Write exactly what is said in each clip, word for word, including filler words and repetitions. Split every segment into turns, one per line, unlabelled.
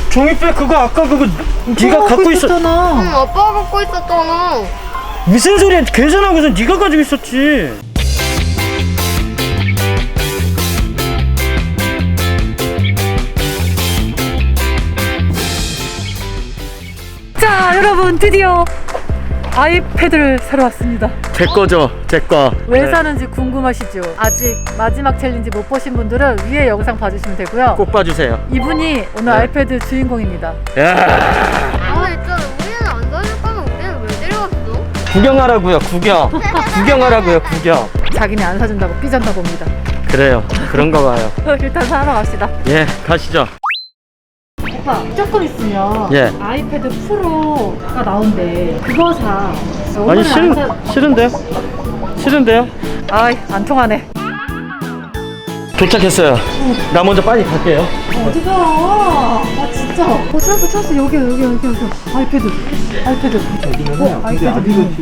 종이백 그거 아까 그거 네가 갖고 있었잖아.
응, 아빠가 갖고 있었잖아.
무슨 소리야? 계산하고서 네가 가지고 있었지.
자, 여러분 드디어 아이패드를 사러 왔습니다.
제 거죠, 제 거.
왜
네.
사는지 궁금하시죠? 아직 마지막 챌린지 못 보신 분들은 위에 영상 봐주시면 되고요.
꼭 봐주세요.
이분이 오늘
네.
아이패드 주인공입니다.
야,
아, 있잖아. 우리는 안 사줄 거면 우리는 왜 데려왔어?
구경하라고요, 구경. 구경하라고요, 구경.
자기네 안 사준다고 삐졌나 봅니다.
그래요, 그런가 봐요.
일단 사러 갑시다.
예, 가시죠.
오빠, 조금 있으면
예.
아이패드 프로가 나온대. 그거 사.
아니
오늘은
싫은
안 사...
싫은데요? 싫은데요?
아이, 안 통하네.
도착했어요. 나 먼저 빨리 갈게요.
어디가? 아 진짜. 어 찾았어 찾았어. 여기 여기 여기 여기. 아이패드. 아이패드. 어 아이패드 미니.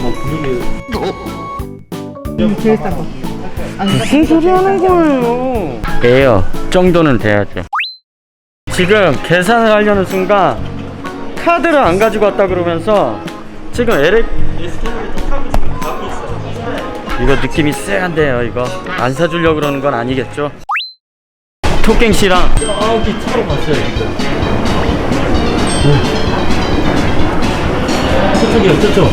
이게 제일 싼 거. 아니
무슨 소리 하는 거예요? 에어 정도는 돼야죠. 지금 계산을 하려는 순간 카드를 안 가지고 왔다 그러면서 지금 엘엑 에스케이레이터 타고 지금 가고 있어요. 이거 느낌이 쎄한데요. 이거 안 사주려고 그러는 건 아니겠죠? 토깽 씨랑 저기 차로 갔어요 지금. 저쪽이요, 저쪽.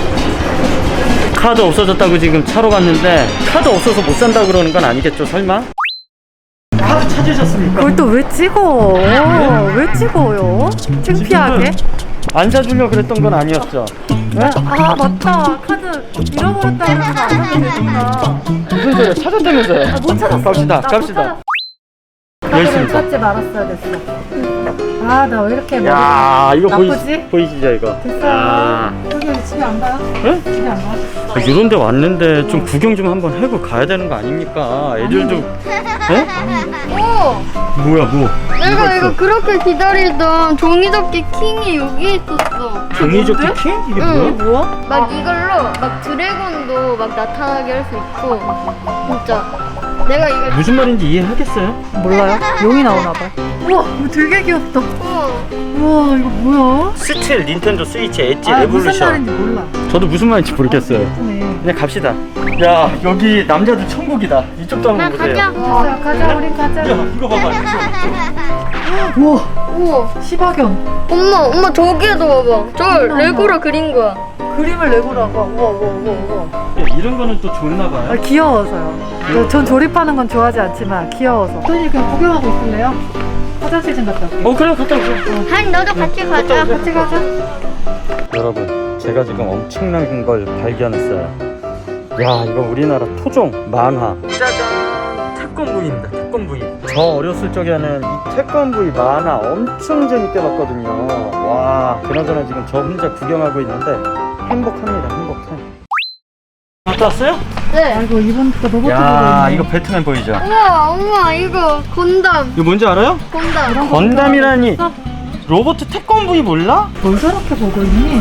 카드 없어졌다고 지금 차로 갔는데 카드 없어서 못 산다 그러는 건 아니겠죠, 설마? 카드 찾으셨습니까?
그걸 또 왜 찍어? 왜 찍어요? 창피하게?
안 사주려고 그랬던 건 아니었죠? 네?
아 맞다. 카드 잃어버렸다 그러면 안 사면 되구나.
무슨 소리야? 찾았다면서요?
아, 못 찾았어.
갑시다,
나
갑시다.
못 찾았어.
여기
카드를
있습니다.
찾지 말았어야 됐어. 아 나 왜 이렇게 머리가
야, 이거 보이,
나쁘지?
보이시죠 이거?
됐어.
야.
여기 집에 안 가요?
네?
집에 안 가?
아, 이런 데 왔는데 좀 구경 좀 한번 하고 가야 되는 거 아닙니까? 애들도. 네?
오!
뭐야, 뭐?
내가
뭐가
이거
있어?
그렇게 기다리던 종이접기 킹이 여기 있었어.
종이접기 킹? 이게
응.
뭐야?
뭐야?
막 이걸로 막 드래곤도 막 나타나게 할 수 있고. 진짜. 내가 이거.
무슨 말인지 이해하겠어요?
몰라요? 용이 나오나 봐. 우와, 이거 되게 귀엽다.
어.
우와, 이거 뭐야?
스틸 닌텐도 스위치 엣지
아, 무슨
레볼루션.
말인지 몰라.
저도 무슨 말인지 모르겠어요.
예쁘네.
그냥 갑시다. 야, 여기 남자들 천국이다. 이쪽도 한번
나
보세요.
가자.
가자, 가자, 우린 가자.
야, 이거 봐봐. 이거.
우와,
우와.
시바견.
엄마, 엄마 저기에도 봐봐. 저 레고로 그린 거야.
그림을 내고라고. 우와, 우와, 우와, 우와.
야, 이런 거는 또 좋나 봐요.
아, 귀여워서요. 저- 전 조립하는 건 좋아하지 않지만 귀여워서. 토니 그냥 구경하고 있을래요? 화장실 좀 갔다 올게.
어, 그래, 갔다 오세요.
한 너도 같이 가자.
같이 가자.
여러분, 제가 지금 엄청난 걸 발견했어요. 야, 이거 우리나라 토종 만화. 짜잔, 태권브이입니다. 태권브이. 저 어렸을 적에는 이 태권브이 만화 엄청 재밌게 봤거든요. 와, 그나저나 지금 저 혼자 구경하고 있는데 행복합니다. 행복해. 갔다 왔어요?
네.
아이고, 이번 거 로봇
야,
보고
이거 배트맨 보이죠?
우와, 엄마 이거 건담.
이거 뭔지 알아요?
건담.
건담이라니. 로봇 태권브이 몰라?
뭘 저렇게 보고 있니?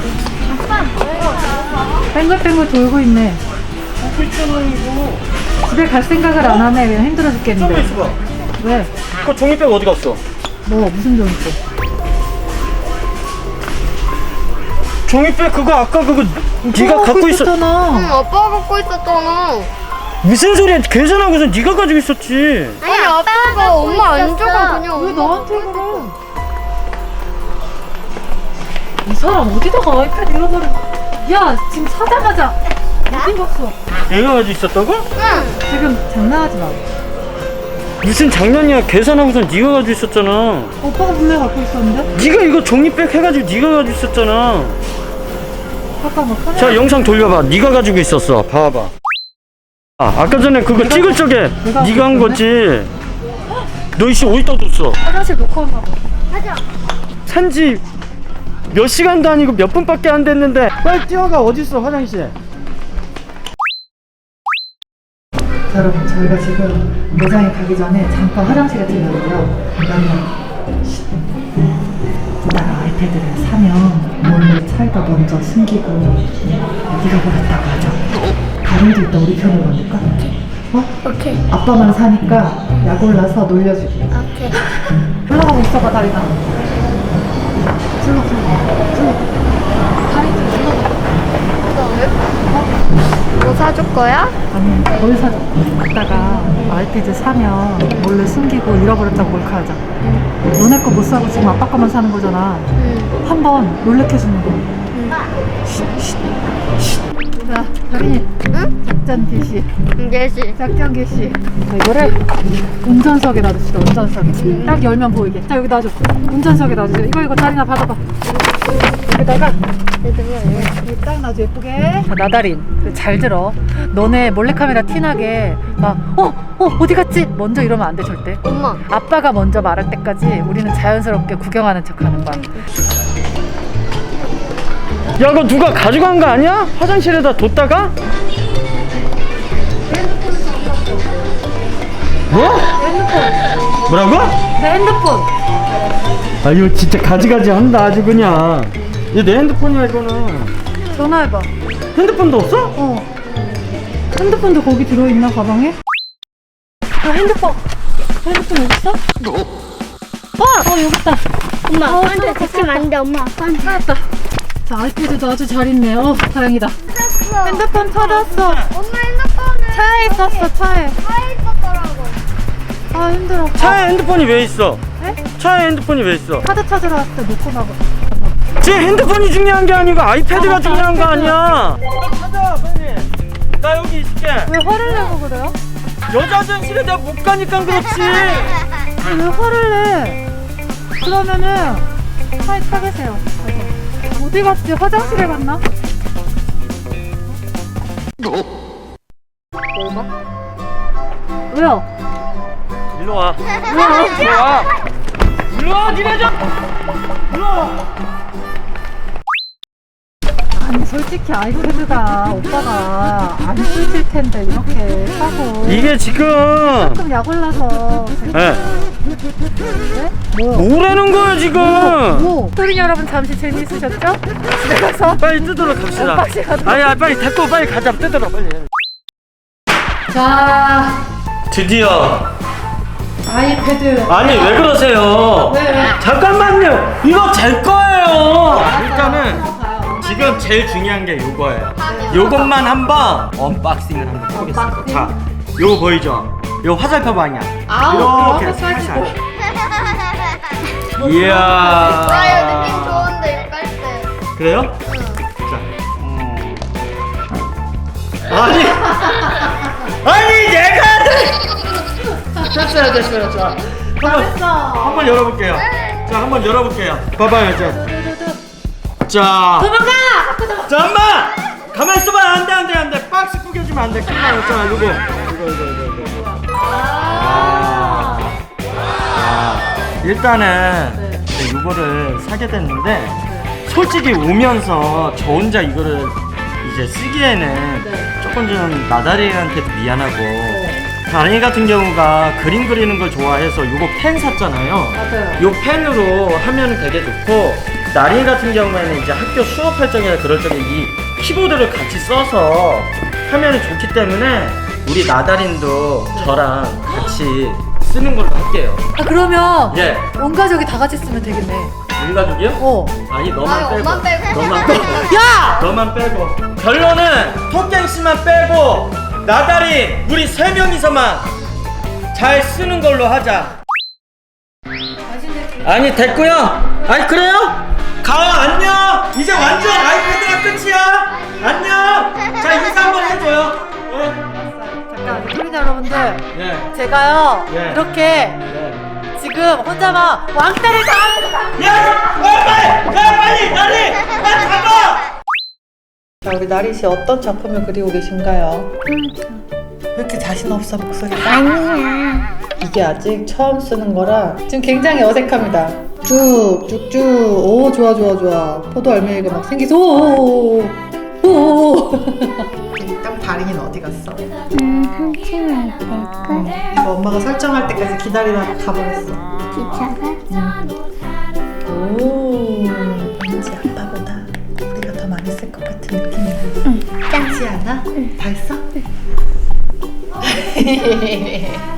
뱅글뱅글 돌고 있네.
보고 있잖아, 이거.
집에 갈 생각을 안 하네. 그냥 힘들어
잠깐
죽겠는데.
있어봐.
왜?
그 종이백 어디 갔어?
뭐 무슨 종 있어?
종이백 그거 아까 그거 네가 갖고 있었.
응,
있었잖아.
아빠가 갖고 있었잖아.
무슨 소리야? 계산하고서 네가 가지고 있었지.
아니, 아빠가 엄마 안 주고 그냥
왜
엄마
너한테 그래? 이 사람 어디다가 아이패드 잃어버려? 야, 지금 사자마자 어디 갔어?
내가 가지고 있었다고?
응.
지금 장난하지 마.
무슨 장난이야? 계산하고서 네가 가지고 있었잖아.
오빠가 몰래 갖고 있었는데?
네가 이거 종이백 해가지고 네가 가지고 있었잖아.
잠깐만. 카메라.
자, 영상 돌려봐. 네가 가지고 있었어. 봐봐. 아, 아까 전에 그거
내가
찍을 적에
내가
네가 한
갖고
거지. 너 이씨 어디다 뒀어?
화장실 놓고 왔나 봐.
가자.
산지 몇 시간도 아니고 몇 분밖에 안 됐는데 빨리 뛰어가. 어딨어 화장실?
자, 여러분, 저희가 지금 매장에 가기 전에 잠깐 화장실에 들렸는데요. 왜냐면 오빠가 아이패드를 사면 몰래 차에다 먼저 숨기고 잃어버렸다고 하죠. 다른도 일단 우리 편으로 만들까? 어?
오케이.
아빠만 사니까 약 올라서 놀려줄게.
오케이.
올라가고 있어봐, 다리나. 슬로 슬로 슬로. 다리 좀 슬로.
뭐 사줄 거야?
아니 뭘 사줘? 이따가 아이패드 사면 몰래 숨기고 잃어버렸다고 몰카하자. 너네 거 못 사고 지금 아빠 거만 사는 거잖아.
응.
한번 놀래켜주는 거. 자, 다린이.
응?
작전 개시.
예시.
작전 개시. 자, 이거를 운전석에 놔둡시다. 운전석에. 딱 열면 보이게. 자, 여기 놔줘. 운전석에 놔줘. 이거 이거 다린아 받아봐. 여기다가 여기 딱 놔줘 예쁘게. 자, 나다린. 잘 들어. 너네 몰래카메라 티나게 막 어? 어? 어디 갔지? 먼저 이러면 안 돼 절대.
엄마.
아빠가 먼저 말할 때까지 우리는 자연스럽게 구경하는 척 하는 거야.
야, 그거 누가 가져간 거 아니야? 화장실에다 뒀다가? 뭐?
핸드폰.
뭐라고?
내 핸드폰.
아, 이거 진짜 가지가지 한다 아주 그냥. 이거 내 핸드폰이야 이거는.
전화해봐.
핸드폰도 없어?
어. 핸드폰도 거기 들어있나 가방에? 아 핸드폰. 핸드폰 여기 있어? 어! 어 여기 있다.
엄마,
어,
아빠한테
찾았어,
데치면 안 돼, 엄마. 아빠한테.
찾았다. 자 아이패드도 아주 잘 있네. 어 다행이다.
찾았어.
핸드폰 찾았어.
엄마 핸드폰은
차에 있었어 차에.
차에 있었더라고.
아 힘들어.
차에 핸드폰이 왜 있어?
에?
차에 핸드폰이 왜 있어?
카드 찾으러 왔을 때 놓고 나가.
제 핸드폰이 중요한 게 아니고 아이패드가 중요한 거 아니야. 가자 빨리. 나 여기 있을게.
왜 화를 내고 그래요?
여자 화장실에 내가 못 가니까 그렇지.
왜 화를 내? 그러면은 차에 타 계세요. 어디 갔지? 화장실에 갔나? 왜요?
일로 와.
왜요?
일로 와. 일로 와, 니네 좀. 일로 와.
아니 솔직히 아이패드가 오빠가 안 쓰실 텐데 이렇게 사고
이게 지금
조금 약 올라서
네.
네? 뭐요?
뭐라는 거야 지금?
뭐? 소린 여러분 잠시 재미있으셨죠? 집에 가서
빨리 뜯으러 갑시다.
오빠씨가 더-
아니, 아니 빨리 데리고 빨리 가자. 뜯으러 빨리.
자
드디어.
아이패드
아니 왜 그러세요?
왜, 왜?
잠깐만요. 이거 제 거예요. 일단은
가요.
지금 제일 중요한 게 요거예요. 요것만 한번 언박싱을 한번 해보겠습니다.
언박싱?
자, 요거 보이죠? 요 화살표 방향.
아우
이렇게
그렇게
살살.
사시고
이야.
아, 이거 느낌 좋은데, 이거 깔 때.
그래요? 자, 음. 아니, 아니 내가 됐어요, 됐어요. 자, 한번
잘했어.
한번 열어볼게요. 자, 한번 열어볼게요. 봐봐요, 자. 자,
도망가!
자, 엄마! 가만 있어봐. 안 돼, 안 돼, 안 돼. 박스 구겨주면 안 돼. 큰일 나요. 자, 요거. 이거, 이거, 이거, 이거. 아. 아. 일단은 네, 요거를 사게 됐는데, 솔직히 오면서 저 혼자 이거를 이제 쓰기에는
네.
조금 좀 나다리한테도 미안하고, 다린이 같은 경우가 그림 그리는 걸 좋아해서 요거 펜 샀잖아요.
맞아요.
요 펜으로 하면 되게 좋고, 나린이 같은 경우에는 이제 학교 수업할 적이나 그럴 적에 이 키보드를 같이 써서 하면 좋기 때문에 우리 나다린도 저랑 같이 쓰는 걸로 할게요.
아 그러면
예.
온 가족이 다 같이 쓰면 되겠네.
우리 가족이요?
어.
아니 너만
아니,
빼고.
엄만 빼고.
너만 빼고.
야!
너만 빼고. 결론은 토깽 씨만 빼고 나다린 우리 세 명이서만 잘 쓰는 걸로 하자. 아니 됐고요. 아니 그래요? 가 안녕. 이제 완전 아이패드가 끝이야. 안녕. 자 인사 한번 해줘요. 네.
잠깐 소린 여러분들
예.
제가요
예.
이렇게
예.
지금 혼자만 왕따를 당하는
야! 야 빨리! 야 빨리! 나리! 빨리 가봐!
자 우리 나리 씨 어떤 작품을 그리고 계신가요? 왜 이렇게 자신 없어 목소리가?
아니야.
이게 아직 처음 쓰는 거라 지금 굉장히 어색합니다. 쭉쭉쭉 오 좋아 좋아 좋아 포도 알맹이가 막 생기서 오오오오 딱 다린이는 어디 갔어?
음, 한참을 될까?
이거 엄마가 설정할 때까지 기다리다가 가버렸어.
기차가?
오 왠지 아빠보다 우리가 더 많이 쓸 것 같은 느낌이야. 응. 짱지 않아? 응. 다 했어? 응.